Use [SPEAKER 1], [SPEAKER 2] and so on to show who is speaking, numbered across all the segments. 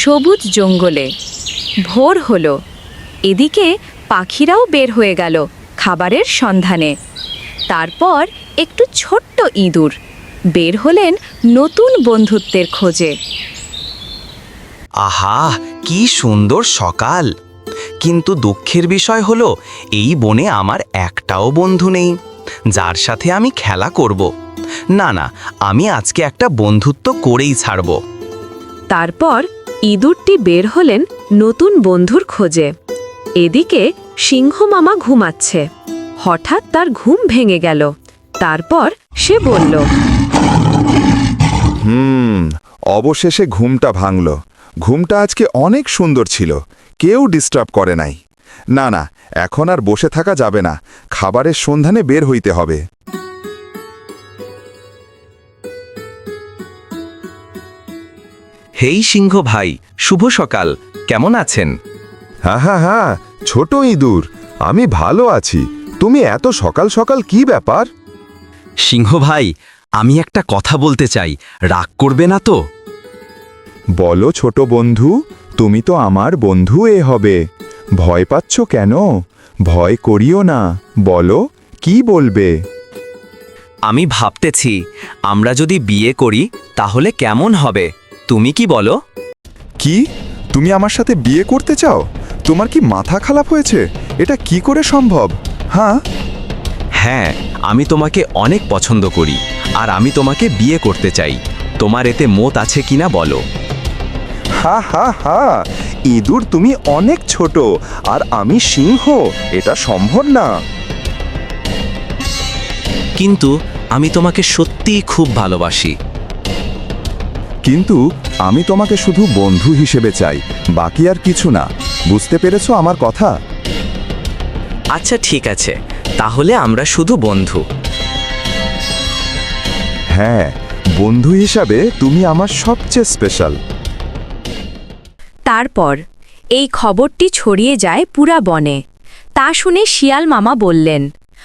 [SPEAKER 1] সবুজ জঙ্গলে। ভোর হলো। এদিকে পাখিরাও বের হয়ে গেল খাবারের সন্ধানে। তারপর একটু ছোট্ট ইঁদুর বের হলেন নতুন বন্ধুত্বের খোঁজে।
[SPEAKER 2] আহা, কি সুন্দর সকাল! কিন্তু দুঃখের বিষয় হলো এই বনে আমার একটাও বন্ধু নেই যার সাথে আমি খেলা করব। না না, আমি আজকে একটা বন্ধুত্ব করেই ছাড়ব।
[SPEAKER 1] তারপর ইঁদুরটি বের হলেন নতুন বন্ধুর খোঁজে। এদিকে সিংহ মামা ঘুমাচ্ছে। হঠাৎ তার ঘুম ভেঙে গেল। তারপর সে বলল,
[SPEAKER 3] অবশেষে ঘুমটা ভাঙল। ঘুমটা আজকে অনেক সুন্দর ছিল, কেউ ডিস্টার্ব করে নাই। না না, এখন আর বসে থাকা যাবে না, খাবারের সন্ধানে বের হইতে হবে।
[SPEAKER 2] হেই সিংহ ভাই, শুভ সকাল, কেমন আছেন?
[SPEAKER 3] হ্যাঁ হ্যাঁ হ্যাঁ, ছোট ইঁদুর, আমি ভালো আছি। তুমি এত সকাল সকাল কি ব্যাপার?
[SPEAKER 2] সিংহ ভাই, আমি একটা কথা বলতে চাই, রাগ করবে না তো?
[SPEAKER 3] বলো ছোট বন্ধু, তুমি তো আমার বন্ধু হবে। ভয় পাচ্ছ কেন? ভয় করিও না, বলো কি বলবে।
[SPEAKER 2] আমি ভাবতেছি আমরা যদি বিয়ে করি তাহলে কেমন হবে, তুমি কি বলো?
[SPEAKER 3] কি, তুমি আমার সাথে বিয়ে করতে চাও? তোমার কি মাথা খারাপ হয়েছে? এটা কি করে সম্ভব? হ্যাঁ
[SPEAKER 2] হ্যাঁ, আমি তোমাকে অনেক পছন্দ করি আর আমি তোমাকে বিয়ে করতে চাই। তোমার এতে মত আছে কিনা বলো?
[SPEAKER 3] হা হা হা, ইঁদুর তুমি অনেক ছোট আর আমি সিংহ, এটা সম্ভব না।
[SPEAKER 2] কিন্তু আমি তোমাকে সত্যিই খুব ভালোবাসি।
[SPEAKER 3] কিন্তু আমি তোমাকে শুধু বন্ধু হিসেবে চাই, বাকি আর কিছু না। বুঝতে পেরেছো আমার কথা?
[SPEAKER 2] আচ্ছা ঠিক আছে, তাহলে আমরা শুধু বন্ধু।
[SPEAKER 3] হ্যাঁ, বন্ধু হিসাবে তুমি আমার সবচেয়ে স্পেশাল।
[SPEAKER 1] তারপর এই খবরটি ছড়িয়ে যায় পুরা বনে। তা শুনে শিয়াল মামা বললেন,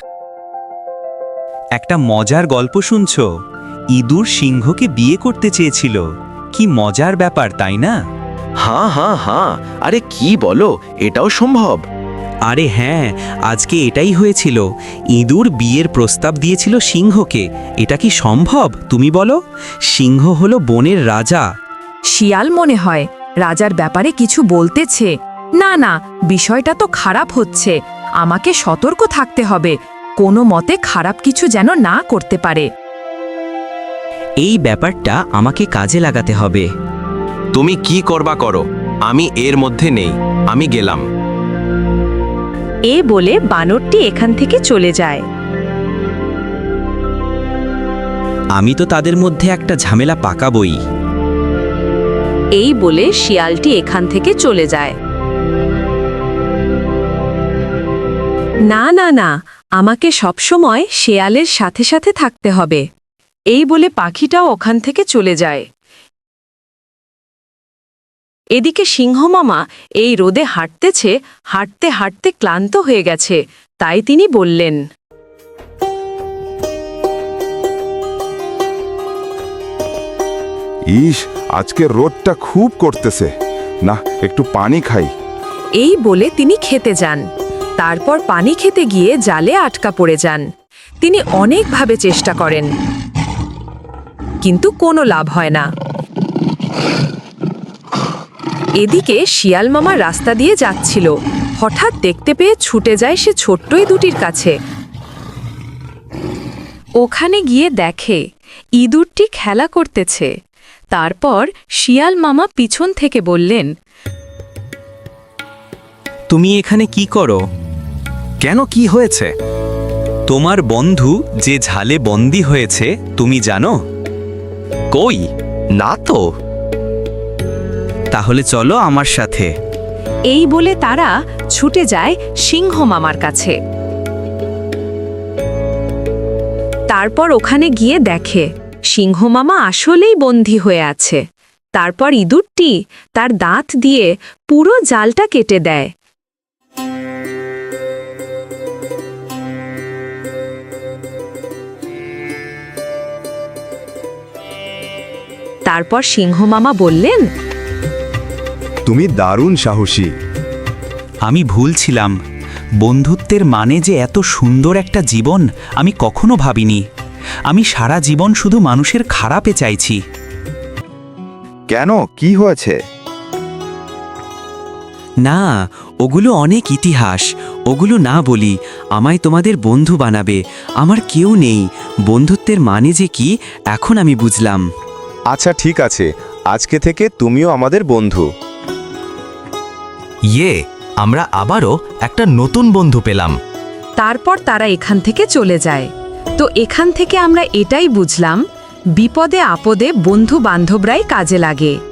[SPEAKER 4] একটা মজার গল্প শুনছ? ইঁদুর সিংহকে বিয়ে করতে চেয়েছিল। কি মজার ব্যাপার, তাই না?
[SPEAKER 2] হ্যাঁ হ্যাঁ হ্যাঁ, আরে কি বলো, এটাও সম্ভব?
[SPEAKER 4] আরে হ্যাঁ, আজকে এটাই হয়েছিল। ইঁদুর বিয়ের প্রস্তাব দিয়েছিল সিংহকে। এটা কি সম্ভব, তুমি বলো? সিংহ হলো বনের রাজা।
[SPEAKER 1] শিয়াল মনে হয় রাজার ব্যাপারে কিছু বলতেছে। না না, বিষয়টা তো খারাপ হচ্ছে। আমাকে সতর্ক থাকতে হবে, কোনো মতে খারাপ কিছু যেন না করতে পারে।
[SPEAKER 4] এই ব্যাপারটা আমাকে কাজে লাগাতে হবে।
[SPEAKER 2] তুমি কি করবা করো, আমি এর মধ্যে নেই, আমি গেলাম।
[SPEAKER 1] এ বলে বানরটি এখান থেকে চলে যায়।
[SPEAKER 4] আমি তো তাদের মধ্যে একটা ঝামেলা পাকাবই।
[SPEAKER 1] এই বলে শিয়ালটি এখান থেকে চলে যায়। না না না, আমাকে সবসময় শেয়ালের সাথে সাথে থাকতে হবে। এই বলে পাখিটাও ওখান থেকে চলে যায়। এদিকে সিংহ মামা এই রোদে হাঁটতেছে, হাঁটতে হাঁটতে ক্লান্ত হয়ে গেছে। তাই তিনি বললেন,
[SPEAKER 3] ইস, আজকে রোদটা খুব করতেছে, না একটু পানি খাই।
[SPEAKER 1] এই বলে তিনি খেতে যান। তারপর পানি খেতে গিয়ে জালে আটকা পড়ে যান। তিনি অনেকভাবে চেষ্টা করেন, কিন্তু কোনো লাভ হয় না। এদিকে শিয়াল মামা রাস্তা দিয়ে যাচ্ছিল। হঠাৎ দেখতে পেয়ে ছুটে যায় সে ছোট্টই দুটির কাছে। ওখানে গিয়ে দেখে ইঁদুরটি খেলা করতেছে। তারপর শিয়াল মামা পিছন থেকে বললেন,
[SPEAKER 4] তুমি এখানে কি করো?
[SPEAKER 2] কেন, কি হয়েছে?
[SPEAKER 4] তোমার বন্ধু যে ঝালে বন্দী হয়েছে, তুমি জানো?
[SPEAKER 2] কই, না তো।
[SPEAKER 4] তাহলে চলো আমার সাথে।
[SPEAKER 1] এই বলে তারা ছুটে যায় সিংহ মামার কাছে। তারপর ওখানে গিয়ে দেখে সিংহ মামা আসলেই বন্দী হয়ে আছে। তারপর ইঁদুরটি তার দাঁত দিয়ে পুরো জালটা কেটে দেয়। তারপর সিংহ মামা বললেন,
[SPEAKER 3] তুমি দারুণ সাহসী।
[SPEAKER 4] আমি ভুল ছিলাম। বন্ধুত্বের মানে যে এত সুন্দর একটা জীবন আমি কখনো ভাবিনি। আমি সারা জীবন শুধু মানুষের খারাপে চাইছি।
[SPEAKER 3] কেন, কি হয়েছে?
[SPEAKER 4] না, ওগুলো অনেক ইতিহাস। ওগুলো না বলি, আমায় তোমাদের বন্ধু বানাবে। আমার কেউ নেই। বন্ধুত্বের মানে যে কি এখন আমি বুঝলাম।
[SPEAKER 5] আচ্ছা ঠিক আছে, আজকে থেকে তুমিও আমাদের বন্ধু।
[SPEAKER 2] ইয়ে, আমরা আবারও একটা নতুন বন্ধু পেলাম।
[SPEAKER 1] তারপর তারা এখান থেকে চলে যায়। তো এখান থেকে আমরা এটাই বুঝলাম, বিপদে আপদে বন্ধু বান্ধবরাই কাজে লাগে।